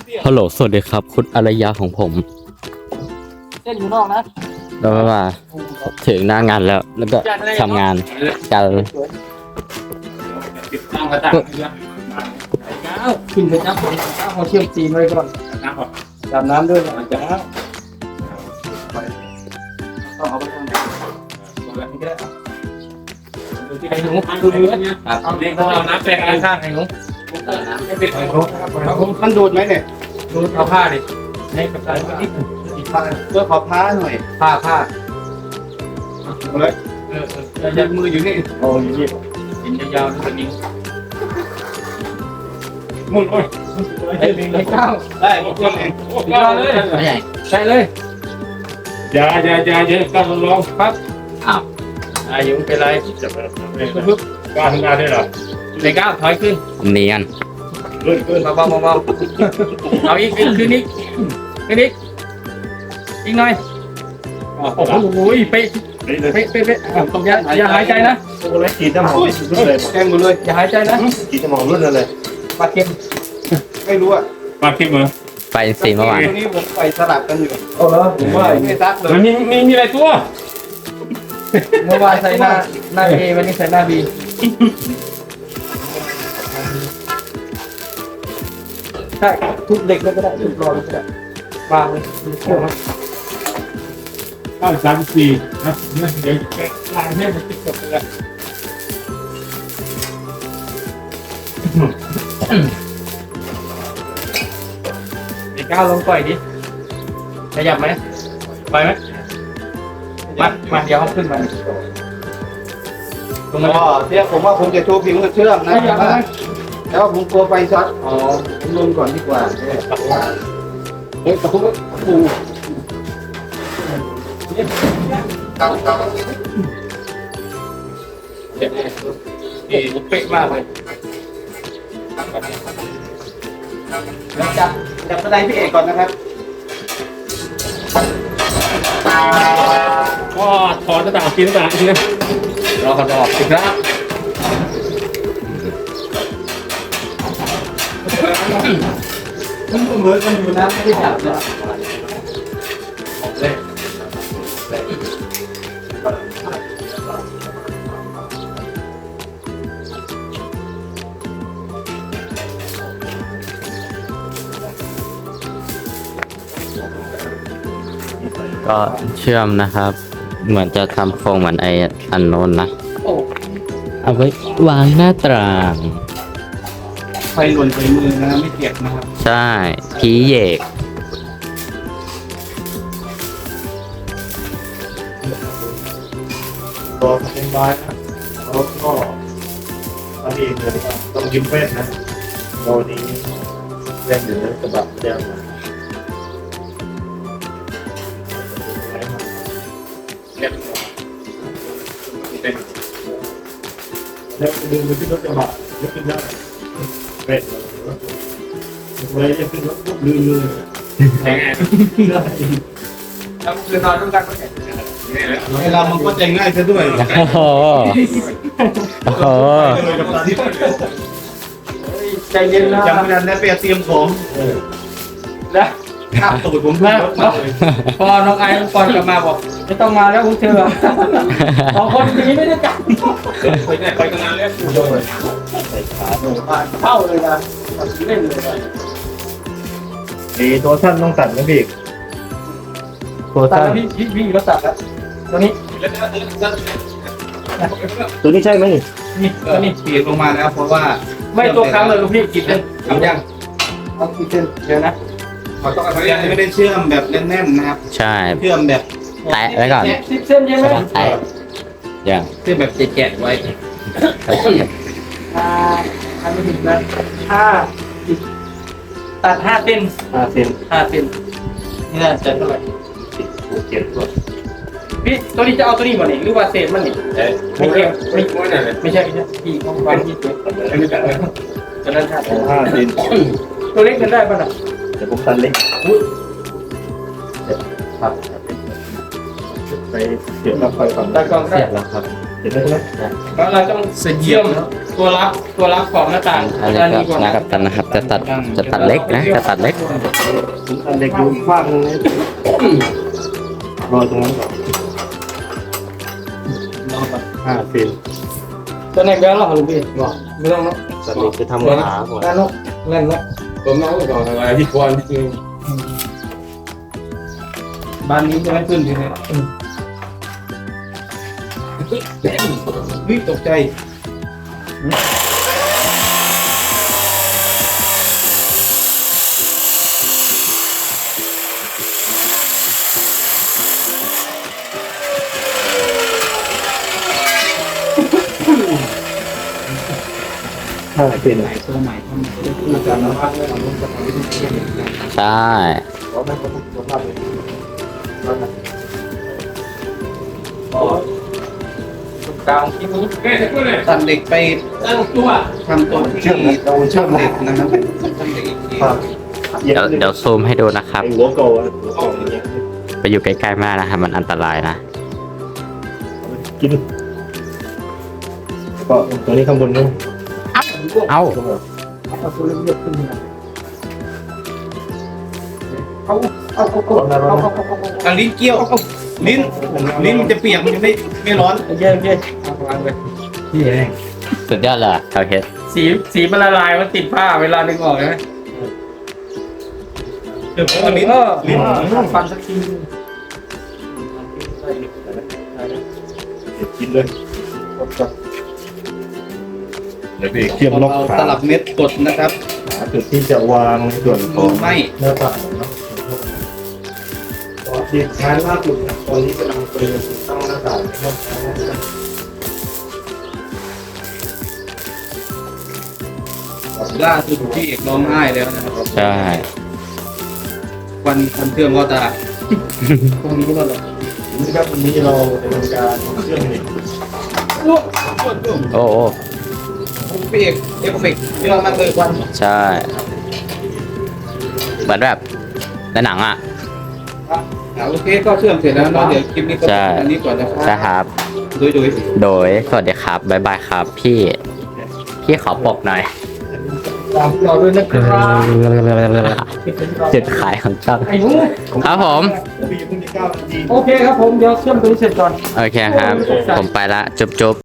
ฮัลโหลสวัสดีครับคุณอารยาของผมเส้นอยู่นอกนะแล้วว่าถึงหน้างานแล้วก็ทำงานกันติดตั้งกระต่ายเยอะขึ้นไปจับเขาเชื่อมจีนไว้ก่อนน้ำก่อนดำน้ำด้วยนะจะต้องเอาไปทำแบบนี้ก็ได้ไอ้หนูดูเนื้อเนี่ยเอาเด็กเอาน้ำแปลงข้างไอ้หนูไม่เป็นไอ้หนูมันดูดไหมเนี่ยดูเอาผ้าดิให้กับตาที่เพื่อขอผ้าหน่อยผ้าเลยยันมืออยู่นี่โอ้ยนี่กินยาวๆตัวนี้มุนโอ้ยไอ้ก้าวได้หมดเองก้าวเลยใช่เลยอย่าก้าวลองครับอ้าวอายุเป็นไรจะแบบปึ๊บก้าวทำงานได้หรอในก้าวถอยขึ้นเนียนขึ้นเบาเอาอีกขึ้นอีกหน่อยโอ้โหเป๊ะอย่าหายใจนะโอ้ยฉีดน้ำหอมรุ่นเลยแกงหมดเลยอย่าหายใจนะฉีดน้ำหอมรุ่นเลยปลาเค็มไม่รู้อ่ะปากเข้มเหรอไปสีเมื่อวานตัวนี้ผมไปสลับกันอยู่โอ้เหรอผมว่าไม่ซักเลยมันมีอะไรตัวเมื่อวานใส่หน้าเอวันนี้ใส่หน้าบีใช่ทุบเด็กเลยก็ได้ทุบรอเลยก็ได้วางเลยเชื่อไหม 934นะเดี๋ยวลายให้มันติดกับเลย ไอ้ก้าวลงปล่อยดิขยับไหมไปไหมมาเดี๋ยวเขาขึ้นมาลงมาอ๋อเนี่ยผมว่าผมจะโชว์ผิวเชื่อมนะขยับไหมแต่ว่าผมกลัวไฟช็อตอ๋อผมลงก่อนดีกว่าเฮ้ยตะคุบปูเป๊ะมากเลยจับสไลด์พี่เอกก่อนนะครับก็ถอดหน้าต่างกินหน้าต่างทีนะรอกันออกสิครับมันเหมือนกันอยู่นะไม่ได้จับเลยก็เชื่อมนะครับ เหมือนจะทำโครงเหมือนไออันโน้นนะโอ้เอาไว้วางหน้าต่างไฟหล่นใส่มือนะไม่เจ็บนะครับใช่ผีเหยกตัวเป็นไม้รถก็อันนี้เลยต้องยิ้มเฟ้นนะโดนี้เล่นอยู่ในกระบะเดียวนะ แล้วดึงไปที่รถกระบะยกขึ้นได้เป็ดเลยจะขึ้นรถปุ๊บลืมเลยแข็งไงได้แล้วคือนอนด้วยกันก็เห็นเวลามันก็จะง่ายซะด้วยโอ้โหโอ้โหเลยกับตาที่ใจเย็นนะยังไม่ทันได้ไปเตรียมของแล้วข้ามตูดผมขึ้นรถมาเลยพอน้องไอ้ก่อนกลับมาบอกไม่ต้องมาแล้วพวกเธอสองคนนี้ไม่ได้กันไปกันนานแล้วใส่ขาโดนเข้าเลยนะเล่นเลยนะตัวท่านต้องตัดนะพี่ตัวตัดท่านแล้วพี่ก็ตัดแล้วตัวนี้ตัวนี้ใช่ไหมนี่ตัวนี้เปลี่ยนลงมาแล้วเพราะว่าไม่ตัวค้ำเลยลูกพี่กินเลยทำยังต้องกินเส้นเดี๋ยวนะขอต้องอะไรไม่ได้เชื่อมแบบแน่นๆนะครับใช่เชื่อมแบบแตะไว้ก่อนสิบเส้นใช่ไหมแตะอย่างเชื่อมแบบแกะไว้ทำไม่ถึงนะตัด5 เส้น 5 เซน 5 เส้นนี่น่าจะเท่าไหร่ 7 ตัวพี่ตัวนี้จะเอาตัวนี้มาเนี่ยหรือว่าเศษมันเนี่ยไม่เกี่ยวไม่ใช่พี่ต้องฟังพี่ตัวตัวนั้นขาด 5 เซนตัวเล็กกันได้ป่ะน่ะเดี๋ยวผมตัดเล็กครับไปเสียบรับไฟก่อนได้กล้องได้เสร็จแล้วครับเห็นไหมใช่ไหมแล้วเราต้องเชื่อมตัวรับของหน้าต่างอันนี้ด้านนี้ก่ก็อนนะนะกับตันนะครับ จะตัดเล็กนะจะตัดเล็กอันเด็กดูฟาดนึงนะรอตรงนั้นก่อน5 เซนตัวไหนแบงค์หรอลุงพี่บอกไม่ต้องเนาะสันนิษจะทำขาก่อนนั่นเนาะนั่นเนาะผมน้องก่อนอะไรที่ควรที่จริงบ้านนี้จะไม่ขึ้นทีนี้วิ่งตกใจ 5 เซนตัวใหม่ทำคือการนำพักไม่ทำต้องทำวิธีเชื่อมใช่เพราะไม่ต้องสภาพเลยกลางที่นี้ตัดเหล็กไปตั้งตัวทำตัวที่เชื่อมเราเชื่อมเหล็กนะครับทำเหล็กอีกทีครับเดี๋ยวซูมให้ดูนะครับไอ้หัวโกะหัวโกะอย่างเงี้ยไปอยู่ใกล้ๆมากนะครับ มันอันตรายนะกินก็ตัวนี้ข้างบนนู้นเอ้าเอาตัวเล็กๆขึ้นมาเอาอ่ะลิ้นเกี้ยวลิ้นมันจะเปียกมันจะไม่ร้อนเย็นเอาวางไปที่เองสุดยอดเลยเขาเฮ็ดสีมันละลายมันติดผ้าเวลาดึงออกใช่ไหมเดี๋ยวเอาลิ้นลิ้นฟันสักทีกินเลยเดี๋ยวพี่เชื่อมล็อกเอาขาตลับเม็ดกดนะครับหาจุดที่จะวางในส่วนขมืองอไหมหน้าต่างเนาะเด็กชายล่าสุดนะตอนนี้กำลังเตรียมติดตั้งหน้าต่างนะครับล่าสุดพี่เอกร้องไห้แล้วนะครับใช่วันเชื่อมก็ตาตรงนี้ก็เลยนี่ครับวันนี้เราจะทำการเชื่อมเหล็กโอ้โอ้พี่เอกเอฟเฟกต์เยอะมากเลยวันใช่เหมือนแบบในหนังอ่ะโอเคก็เชื่อมเสร็จแล้วเนาะเดี๋ยวคลิปนี้ก็ใช่อันนี้ก่อนนะคใช่รับครับโดยสวัสดีครับบ๊ายบายครับ พี่ขอปกหน่อยตามเราด้วยนะครับจุดขายของช่องไอ้หนูครับผมพี่เพิ่งจะ9 นาทีโอเคครับผมเดี๋ยวเชื่อมตัวนี้เสร็จก่อนโอเคครับ ผมไปละจุ๊บ